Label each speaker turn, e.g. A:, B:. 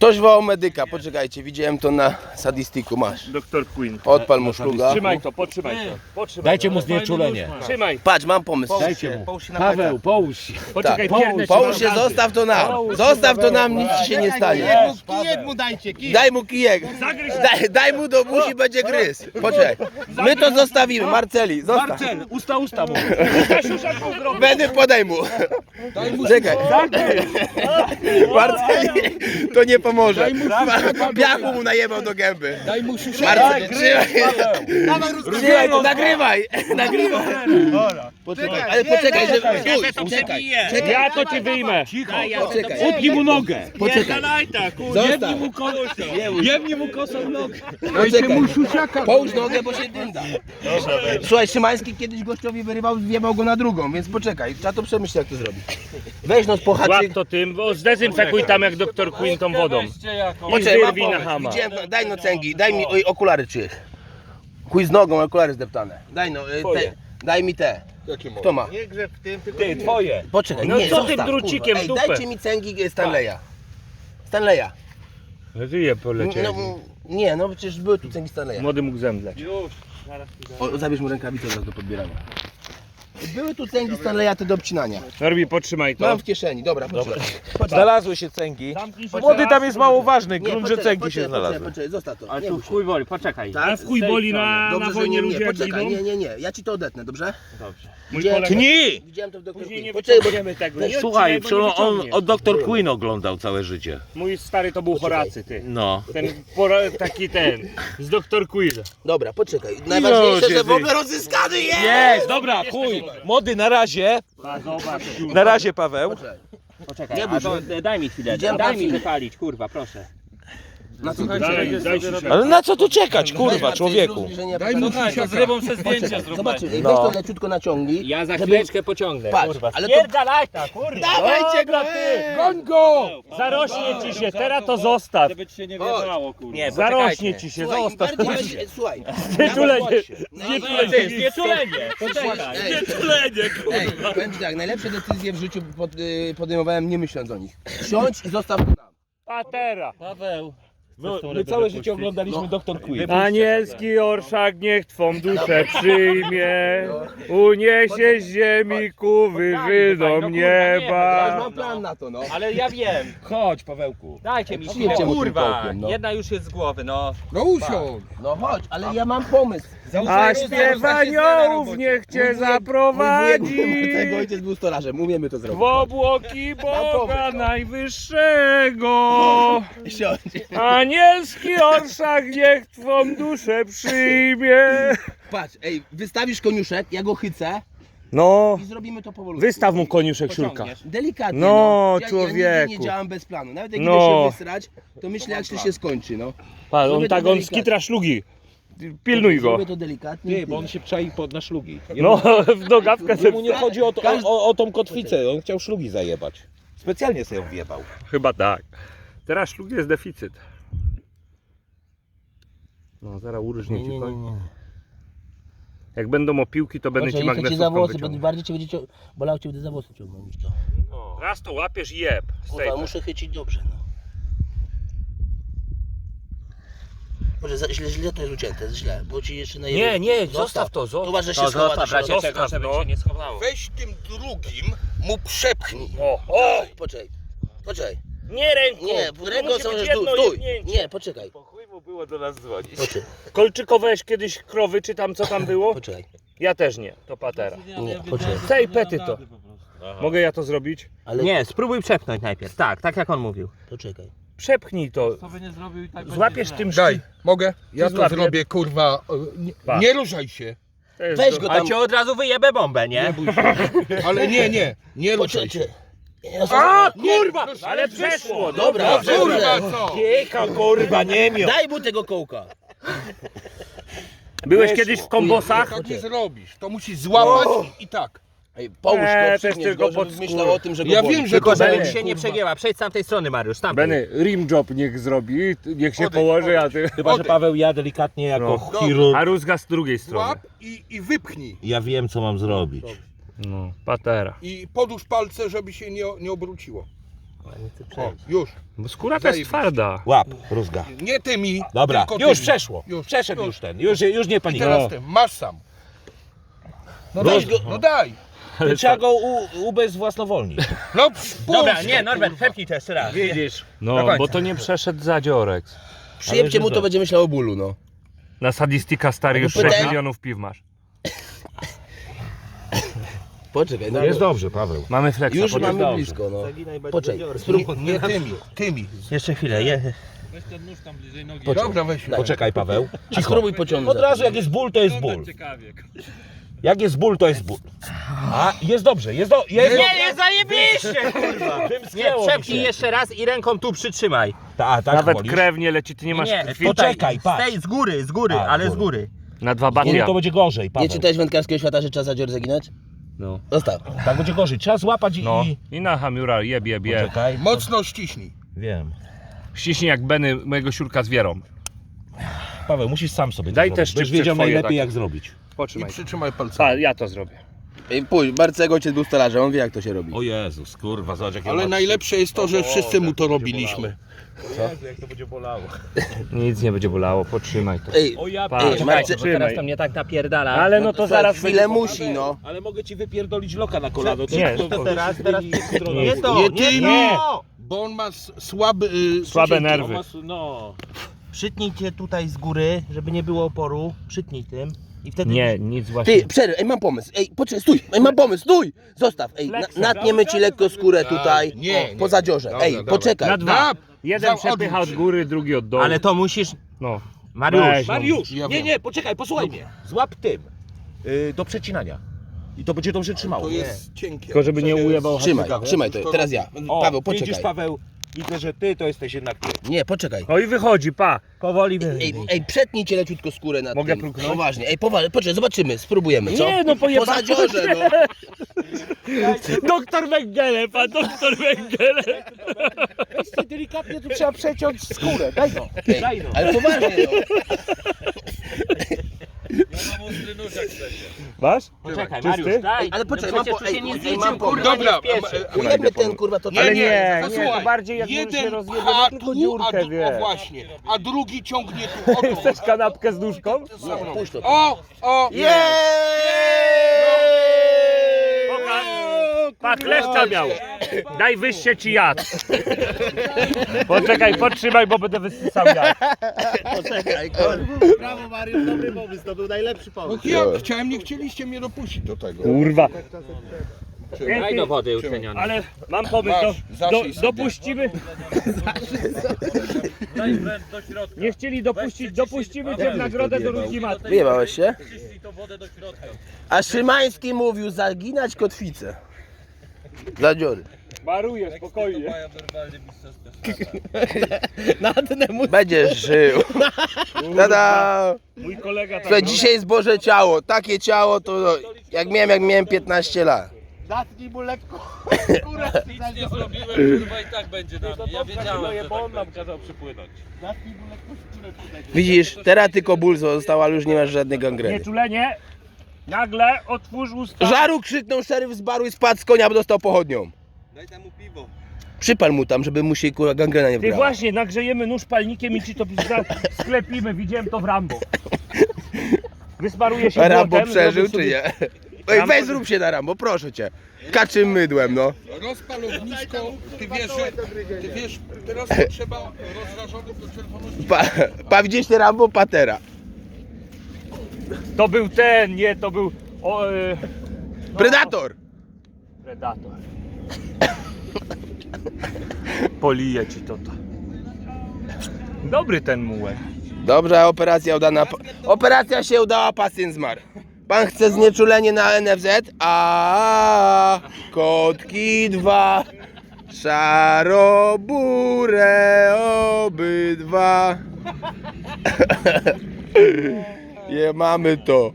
A: Ktoś wołał medyka, poczekajcie, widziałem to na sadistiku, masz.
B: Doktor Queen.
A: Odpal mu szluga.
B: Trzymaj to, potrzymaj to.
C: Dajcie mu znieczulenie.
B: Trzymaj.
A: Patrz, mam pomysł.
C: Dajcie mu. Paweł, połóż się.
B: Poczekaj,
A: Tak.
B: piernę
A: Połóż się, zostaw to nam. Zostaw to nam, nic ci się nie stanie.
D: Kijek mu dajcie, kijek.
A: Daj mu kijek. Daj mu do buzi, będzie gryz. Poczekaj. My to zostawimy, Marceli, zostaw.
C: Marcel, usta mu.
A: Będę podaj mu. Czekaj. Marceli, to nie pomoże. Piachu mu najebał do gęby.
C: Daj mu
A: Marceli, trzymaj to, nagrywaj. Poczekaj, ale poczekaj, że... Czekaj,
B: Ja to ci wyjmę.
A: poczekaj.
C: Utnij mu nogę.
A: Poczekaj.
C: Jebnij mu kosą. Jebnij mu kosą nogę.
A: Poczekaj. Połóż nogę, bo się dynda. Słuchaj, Szymański kiedyś gościowi wyrywał, wjebał go na drugą, więc poczekaj, trzeba to przemyśleć, jak to zrobić. Weź no z
B: Łap
A: pohaczyk.
B: to tym, bo zdezynfekuj tam jak doktor Queen tą wodą. I
A: Poczekaj, mam
B: wyrwij na
A: pomysł.
B: hama.
A: Widziałem, daj no cęgi, daj mi okulary czyjeś. Chuj z nogą, okulary zdeptane. Daj no, daj mi te. Kto ma?
D: Nie grzeb w tym, tylko
C: Ty, twoje.
A: Poczekaj,
B: No
A: nie,
B: co
A: zostaw,
B: tym drucikiem
A: kurwa.
B: w dupę?
A: Dajcie mi cęgi Stanleya. Stanleya.
B: Żyje polecieli.
A: No, nie, no przecież były tu cęgi Stanleya.
B: Młody mógł zemdleć.
A: O, zabierz mu rękawicę zaraz do podbierania. Były tu cęgi Stanleya te do obcinania.
B: Norbi, potrzymaj to.
A: Mam w kieszeni, dobra, poczekaj.
C: Znalazły się cęgi. Młody tam jest mało ważny, grunt, że cęgi się znalazły.
A: Poczekaj, zostaw to.
E: Ale
A: Nie
E: tu
A: bój się.
E: chuj woli, poczekaj.
A: Tak?
B: W chuj boli na
A: Dobrze, że
B: wojnie
A: nie,
B: ludzie
A: nie,
B: jak
A: poczekaj,
B: giną.
A: nie, ja ci to odetnę, dobrze?
E: Dobrze.
B: Mój
A: Widziałem-
B: kolega.
C: Tnij!
A: Widziałem to w doktorze.
B: Później nie
A: Poczekaj, bo
B: wyciągniemy tego. Nie
C: Słuchaj,
B: odcinaj, bo nie
C: on
B: wyciągniesz.
C: od Dr. Queen oglądał całe życie.
B: Mój stary to był Horacy, ty.
C: No.
B: Ten taki ten, z doktor Queen.
A: Dobra, poczekaj. Najważniejsze, że w
B: ty.
A: ogóle rozzyskany jest!
C: Jest, dobra, chuj. Młody, na razie.
B: Zobacz,
C: Na razie, Paweł.
A: Poczekaj.
E: Poczekaj,
A: Nie
E: a
A: bój
E: to
A: się.
E: daj mi chwilę,
A: Widziałem
E: daj mi
A: film.
E: wypalić, kurwa, proszę.
A: Na co
B: daj się.
C: Ale na co tu czekać, kurwa, człowieku?
A: Daj mu
E: z rybą se zdjęcia
A: Zobaczymy, weź
C: No.
A: to leciutko naciągnij.
E: Ja za
A: żeby-
E: chwileczkę pociągnę,
A: Patrz,
E: kurwa.
A: ale to...
E: Spierdalaj ta, kurwa.
A: Dawajcie go!
C: Goń go!
B: Zarośnie ci się, teraz to zostaw.
E: Żeby ci się nie
A: Chodź.
E: wiedzało, kurwa. Nie,
B: Zarośnie ci się,
A: Słuchaj, im
B: zostaw.
A: bardziej będzie... Słuchaj.
B: Znieczulenie.
E: Znieczulenie, poczekaj.
A: Ej, powiem ci tak, najlepsze decyzje w życiu podejmowałem nie myśląc o nich. Siądź i zostaw to nam.
B: Patera.
E: Paweł.
C: My całe życie oglądaliśmy Dr. Queen.
B: Anielski orszak niech twą duszę przyjmie, uniesie z ziemi ku wyżynom
A: Ja już
B: nieba.
A: mam plan na to, no.
E: Ale ja wiem.
C: Chodź, Pawełku.
E: Dajcie mi
A: Przyjedźcie
E: chwilę,
A: mu tym
E: kurwa.
A: kołkiem, no.
E: Jedna już jest z głowy, no.
A: No chodź, ale ja mam pomysł.
B: A śpiew aniołów niech cię zaprowadzi
A: Tego ojciec był stolarzem, umiemy to zrobić.
B: w obłoki Boga Najwyższego.
A: Siądź.
B: Anielski orszak niech twą duszę przyjmie.
A: Patrz, ej, wystawisz koniuszek, ja go chycę
B: No,
A: i zrobimy to powolutku.
B: wystaw mu koniuszek siurka.
A: Delikatnie,
B: No,
A: Ja
B: człowieku.
A: nigdy nie działam bez planu. Nawet jak
B: No.
A: idę się wysrać, to myślę jak to się skończy, no.
B: Patrz,
A: Zrobię to
B: on
A: delikatnie.
B: skitra szlugi. Pilnuj go.
A: Zrobię to delikatnie.
C: Ty, bo on się czai na szlugi.
B: No, w nogawkę
C: Jemu nie chodzi o,
A: Każdy-
C: o tą kotwicę, on chciał szlugi zajebać. Specjalnie sobie ją wjebał.
B: Chyba tak. Teraz szlug jest deficyt. No, zaraz urżnie ci koń. Jak będą opiłki, to będę ci
A: Cię za
B: magnesówką
A: włosy, bo
B: wyciągał.
A: bardziej cię będzie bolało cię, będę za włosy ciągnął niż to.
B: Raz to łapiesz i jeb.
A: Kurwa, muszę chycić dobrze, no. Może źle to jest ucięte, źle, bo ci jeszcze na
E: Nie, zostaw to,
A: To uważaj, że się
E: To
A: schowa
E: zostaw,
A: do środka.
E: bracie, czego, żeby
B: no.
E: się nie schowało.
C: Weź tym drugim, mu przepchnij.
B: O!
A: Poczekaj.
B: Nie ręką!
A: Nie,
B: To
A: ręką
B: musi
A: są
B: być
A: już
B: jedno
A: stój.
B: jebnięcie.
A: Nie, poczekaj.
C: Po chuj mu było do nas dzwonić.
A: Poczekaj.
B: Kolczykowałeś kiedyś krowy, czy tam co tam było?
A: Poczekaj.
B: Ja też nie, to patera.
A: Nie, poczekaj.
B: Tej pety to. Mogę ja to zrobić?
A: Ale
E: Nie, spróbuj przepchnąć najpierw, tak jak on mówił.
A: poczekaj.
B: Przepchnij to. Złapiesz tym
F: Daj, mogę? Ja to
B: złapię.
F: zrobię, kurwa.
B: Pa.
F: Nie ruszaj się.
A: Weź go
E: Ale
A: tam.
E: cię od razu wyjebę bombę, nie?
F: Bój się. Ale nie ruszaj się.
A: Poczekaj.
B: A kurwa! Ale przeszło!
A: Dobra, dobrze.
F: Kurwa, co?
C: Kieka, kurwa, nie miał.
A: Daj mu tego kołka.
B: Byłeś kiedyś w kombosach?
F: Tak nie zrobisz. To musisz złapać i tak.
A: Ej, połóż
B: to
A: go,
B: jest
A: przypniesz
B: tylko
A: go, żeby
B: pod
A: myślał
B: skórę.
A: o tym, że go
F: Ja
A: boli.
F: wiem, że
E: Tylko
F: to
E: żeby
F: boli.
E: się nie przegięła, przejdź z tamtej strony, Mariusz, z tamtej.
B: Benny, rim job niech zrobi, niech się
F: Odejdź,
B: położy, a ty...
C: Chyba, że Paweł ja delikatnie jako chirurg.
B: A rózga z drugiej strony.
F: Łap i wypchnij.
C: Ja wiem, co mam zrobić.
B: No, patera.
F: I podłóż palce, żeby się nie obróciło. O, już.
B: Bo skóra to jest
F: Zajebiście.
B: twarda.
C: Łap, rózga.
F: Nie tymi.
C: Dobra,
F: tylko
C: już
F: tymi.
C: przeszło.
F: Już.
C: Przeszedł już ten. Już nie
F: I
C: panikuj.
F: teraz tym, masz sam. No daj go, no daj.
C: Trzeba go ubezwłasnowolnić.
F: No
E: Dobra,
F: puść
E: nie,
F: to,
E: Norbert,
F: kurwa.
E: przepnij to jeszcze raz.
C: Widzisz?
B: No,
F: końca.
B: bo to nie przeszedł zadziorek.
A: Przyjemcie mu, to będzie myślał o bólu, no.
B: Na sadistika stary już
A: pytaj-
B: 6 milionów piw masz.
A: Poczekaj, no.
C: Jest dobrze, Paweł.
B: Mamy flexa.
A: Już
B: podnieś.
A: mamy blisko, no. Poczekaj, spróbuj.
F: Nie tymi.
E: Jeszcze chwilę,
F: Dobra, weź.
C: Poczekaj, Paweł.
A: A spróbuj pociągnąć.
C: Od razu jak jest ból, to jest ból. Jak jest ból, to jest ból. A, jest dobrze, jest dobrze.
E: Nie, zajebiście, kurwa! Nie,
C: Wymsknęło mi
E: przepnij
C: się.
E: jeszcze raz i ręką tu przytrzymaj.
C: Tak
B: Nawet
C: wolisz?
B: krew nie leci, ty nie masz
E: Nie,
B: krwi.
C: Poczekaj, patrz.
E: Z tej, z góry,
C: A,
E: ale
C: z
E: z góry.
B: Na 2
C: Nie,
B: batia.
C: to będzie gorzej,
A: Nie
C: Paweł.
A: czytałeś wędkarskiego świata, że trzeba zadzior zaginać?
B: No.
A: Zostaw.
C: Tak będzie gorzej. Trzeba złapać
B: No.
C: i...
B: I na hamiura jeb.
C: Poczekaj.
F: Mocno ściśnij.
C: Wiem.
B: Ściśnij jak Benny mojego siurka z wierą.
C: Paweł, musisz sam sobie to
B: Daj
C: zrobić.
B: też
C: Będziesz
B: szczypce
C: wiedział
B: twoje
C: najlepiej
B: takie.
C: jak zrobić.
F: I
B: Potrzymaj.
F: przytrzymaj palcami.
B: Ja to zrobię.
A: Ej, pójdź, Barcego ojciec był stolarzem, on wie jak to się robi.
C: O Jezus, kurwa, zobacz jakie
F: Ale
C: ma-
F: najlepsze jest to, że wszyscy mu to robiliśmy.
C: Jezu, jak to będzie bolało.
B: Nic nie będzie bolało, potrzymaj to.
A: Ej,
C: O ja
B: Patrz,
A: Ej,
C: pierdolę.
A: Marce-
E: Bo teraz to mnie tak napierdala.
B: Ale no to zaraz
A: chwilę musi, no.
C: Ale mogę ci wypierdolić loka na kolano.
B: Nie,
E: teraz
C: Nie
E: to,
F: Nie
E: nie
F: tymi.
E: to!
F: Bo on ma słaby...
B: Słabe nerwy.
C: No.
E: Przytnijcie tutaj z góry, żeby nie było oporu. Przytnij tym i wtedy...
B: Nie, nic właśnie.
A: Ty, przerwę, ej, mam pomysł. Ej, poczekaj, stój, ej, mam pomysł, stój! Zostaw, ej, natniemy ci lekko skórę tutaj,
F: Nie,
A: po zadziorze.
F: Dobra,
A: Ej,
F: dobra.
A: poczekaj.
B: Na 2. Jeden
F: Za-
B: przepycha od
F: odwróć.
B: góry, drugi od dołu.
E: Ale to musisz...
B: No.
E: Mariusz,
B: Weź, no.
C: Mariusz,
F: Ja
C: nie,
F: wiem.
C: nie, poczekaj, posłuchaj mnie. Złap tym. Do przecinania. I to będzie dobrze trzymało.
F: To jest cienkie.
B: Tylko żeby nie ujebał
A: Trzymaj, trzymaj to, teraz ja.
C: O,
A: Paweł,
C: widzisz,
A: poczekaj.
C: Paweł, widzę, że ty to jesteś jednak ty.
A: Nie, poczekaj.
B: No i wychodzi, pa.
E: powoli
A: Ej, przetnijcie leciutko skórę nad
B: Mogę
A: tym.
B: próbnąć?
A: Poważnie, ej, poczekaj, zobaczymy, spróbujemy, co?
B: Nie, no
A: Po
B: pojebane.
A: zadziorze, no.
B: Doktor Węgiele, pan doktor Węgiele.
C: Jeszcze delikatnie tu trzeba przeciąć skórę. Daj no.
A: Ej, ale poważnie, no.
B: Masz?
E: Poczekaj,
B: Czysty?
E: Mariusz, daj.
A: Ale poczekaj,
E: no
A: mam
E: przecież
A: po-
E: tu się
A: ej,
E: nic
A: ej,
E: niczym,
A: mam po-
E: kurwa,
F: Dobra,
E: nie spieszy.
A: Ujemy ten, kurwa, to
B: Ale
A: tak.
B: nie, nie,
F: Posłuchaj,
B: to bardziej jak mu się
F: jeden
B: rozjedzie,
F: pcha
B: ma tylko
F: tu,
B: dziurkę,
F: o
B: wiesz.
F: właśnie, a drugi ciągnie tu, o to.
B: Chcesz kanapkę z nóżką?
A: Nie, puść to.
F: O,
B: Pokaż. Pa, kleszcza miał. Daj wyjście ci jad. Poczekaj, podtrzymaj, bo będę wysysał jad.
A: Poczekaj, kurwa.
D: Brawo Mariusz, dobry pomysł, to był najlepszy
F: No
D: pomysł.
F: ja chciałem, nie chcieliście mnie dopuścić do tego.
B: Kurwa.
E: Daj do wody utleniony.
B: Ale mam pomysł,
F: Masz, zaszyj sobie.
B: dopuścimy. Nie chcieli dopuścić, dopuścimy cię w nagrodę do różni matki.
A: Wyjebałeś się? A Szymański mówił zaginać kotwicę. Zadziory.
B: Maruję, spokojnie.
A: Będziesz żył. Tada!
B: Mój kolega tak
A: Słuchaj,
B: robi.
A: dzisiaj jest Boże ciało. Takie ciało to no, jak miałem 15 lat.
D: Zatnij mu lekko.
G: Nic nie zrobiłem, kurwa i tak będzie na mnie. Ja wiedziałem, że
C: bo
G: tak
C: on nam kazał przypłynąć.
D: Zatnij mu lekko skórę tutaj.
A: Widzisz, teraz tylko ból został, ale już nie masz żadnej gangreny.
B: Nieczulenie. Nagle otwórz usta.
A: Żaru krzyknął szeryf z baru i spadł z konia, bo dostał pochodnią.
G: Daj tam mu piwo.
A: Przypal mu tam, żeby mu się kurwa gangrena nie
B: Ty
A: wbrała.
B: właśnie, nagrzejemy nóż palnikiem i ci to sklepimy. Widziałem to w Rambo. Wysmaruje się
A: Rambo
B: błotem,
A: przeżył
B: zrobi
A: czy
B: sobie-
A: nie? Ej, weź zrób się na Rambo, proszę cię. Kaczym mydłem, no.
F: Rozpal ognisko, ty wiesz, teraz to trzeba rozrażonym do czerwoności.
A: Pa widzisz te Rambo? Patera.
B: To był ten, nie, to był
A: Predator!
B: Predator. Polije ci to. Dobry ten mułek.
A: Dobrze, operacja udana. Operacja się udała, pacjent zmarł. Pan chce znieczulenie na NFZ? A kotki 2. Szarobure obydwa. Je mamy to.